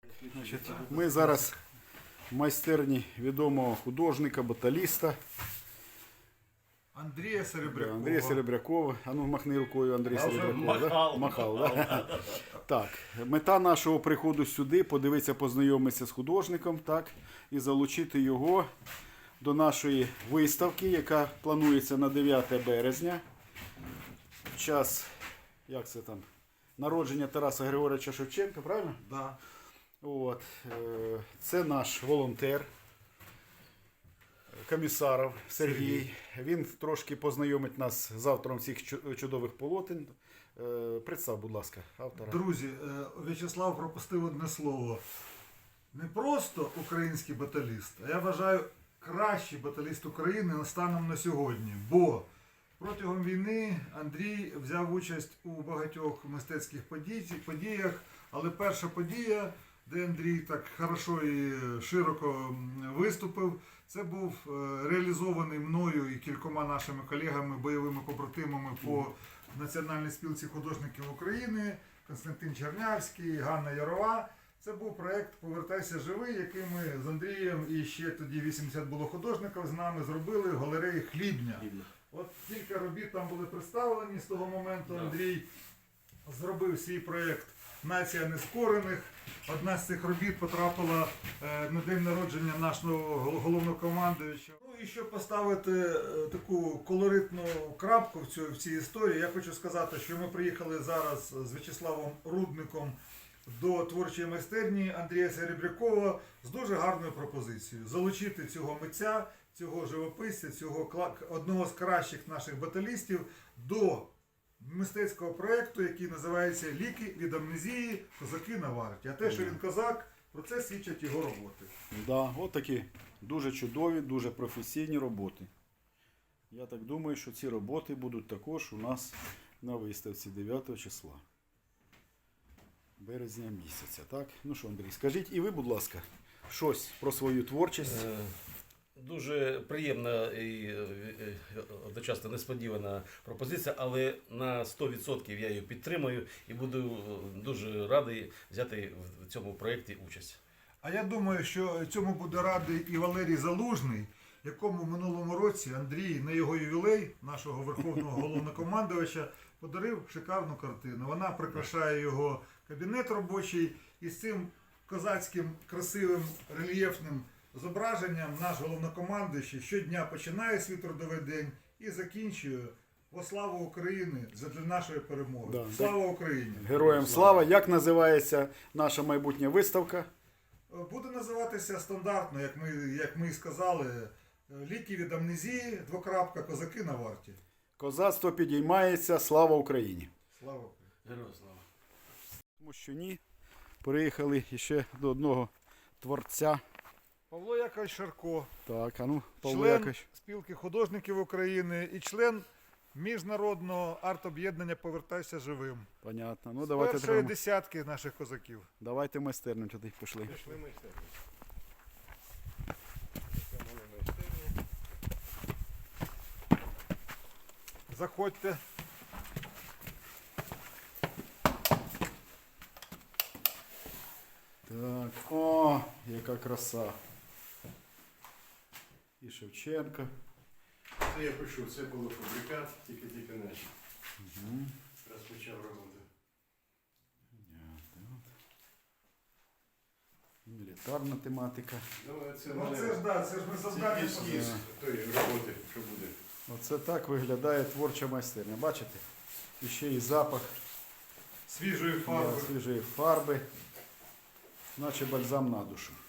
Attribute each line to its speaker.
Speaker 1: Значить, ми зараз в майстерні відомого художника, баталіста
Speaker 2: Андрія Серебрякова.
Speaker 1: Андрія Серебрякова. А ну махни рукою, Андрій Серебряков. Да? Махав, да? Так, мета нашого приходу сюди подивитися, познайомитися з художником, так, і залучити його до нашої виставки, яка планується на 9 березня. В час, як це там, народження Тараса Григоровича Шевченка, правильно?
Speaker 2: Да.
Speaker 1: От, це наш волонтер, Комісаров Сергій. Він трошки познайомить нас з автором цих чудових полотен. Представ, будь ласка, автора.
Speaker 2: Друзі, В'ячеслав пропустив одне слово. Не просто український баталіст, а я вважаю кращий баталіст України станом на сьогодні. Бо протягом війни Андрій взяв участь у багатьох мистецьких подіях, але перша подія, де Андрій так хорошо і широко виступив, це був реалізований мною і кількома нашими колегами, бойовими побратимами по Національній спілці художників України, Константин Чернявський, Ганна Ярова. Це був проєкт «Повертайся живий», який ми з Андрієм і ще тоді 80 було художників з нами зробили в галереї Хлібня. От кілька робіт там були представлені з того моменту. Андрій зробив свій проєкт «Нація нескорених». Одна з цих робіт потрапила на день народження нашого головнокомандуюча. Ну і щоб поставити таку колоритну крапку в цій історії, я хочу сказати, що ми приїхали зараз з В'ячеславом Рудником до творчої майстерні Андрія Серебрякова з дуже гарною пропозицією. Залучити цього митця, цього живописця, цього одного з кращих наших баталістів до мистецького проєкту, який називається «Ліки від амнезії. Козаки на варті». А те, що він козак, про це свідчать його роботи.
Speaker 1: Да, от такі дуже чудові, дуже професійні роботи. Я так думаю, що ці роботи будуть також у нас на виставці 9 числа. Березня місяця, так? Ну що, Андрій, скажіть і ви, будь ласка, щось про свою творчість.
Speaker 3: Дуже приємна і одночасно несподівана пропозиція, але на 100% я її підтримую і буду дуже радий взяти в цьому проєкті участь.
Speaker 2: А я думаю, що цьому буде радий і Валерій Залужний, якому в минулому році Андрій на його ювілей, нашого верховного головнокомандувача, подарив шикарну картину. Вона прикрашає його кабінет робочий, і з цим козацьким, красивим, рельєфним зображенням наш головнокомандуючий щодня починає свій трудовий день і закінчує «Во славу України» для нашої перемоги.
Speaker 1: Да.
Speaker 2: Слава Україні!
Speaker 1: Героям слава! Як називається наша майбутня виставка?
Speaker 2: Буде називатися стандартно, як ми і сказали, «Ліки від амнезії. Козаки на варті».
Speaker 1: Козацтво підіймається, слава Україні!
Speaker 2: Слава Україні!
Speaker 3: Героям слава!
Speaker 1: Тому що ні, приїхали ще до одного творця.
Speaker 2: Павло Якович Шарко,
Speaker 1: Так, а ну, Павло
Speaker 2: член
Speaker 1: Якович.
Speaker 2: спілки художників України і член міжнародного арт-об'єднання «Повертайся живим».
Speaker 1: Понятно. Ну,
Speaker 2: З
Speaker 1: давайте,
Speaker 2: першої десятки наших козаків.
Speaker 1: давайте майстерню туди пішли.
Speaker 2: Пішли майстерні. Заходьте.
Speaker 1: Так, о, яка краса. І Шевченка.
Speaker 4: Це я пишу, це було фабрикат, тільки наче. Розпочав роботу.
Speaker 1: Мілітарна тематика.
Speaker 4: Ну, це
Speaker 2: Ну це ж, да, це ж ми завдання.
Speaker 4: ескіз тої роботи, що буде.
Speaker 1: Оце так виглядає творча майстерня. Бачите? І ще і запах
Speaker 2: Свіжої фарби.
Speaker 1: свіжої фарби, наче бальзам на душу.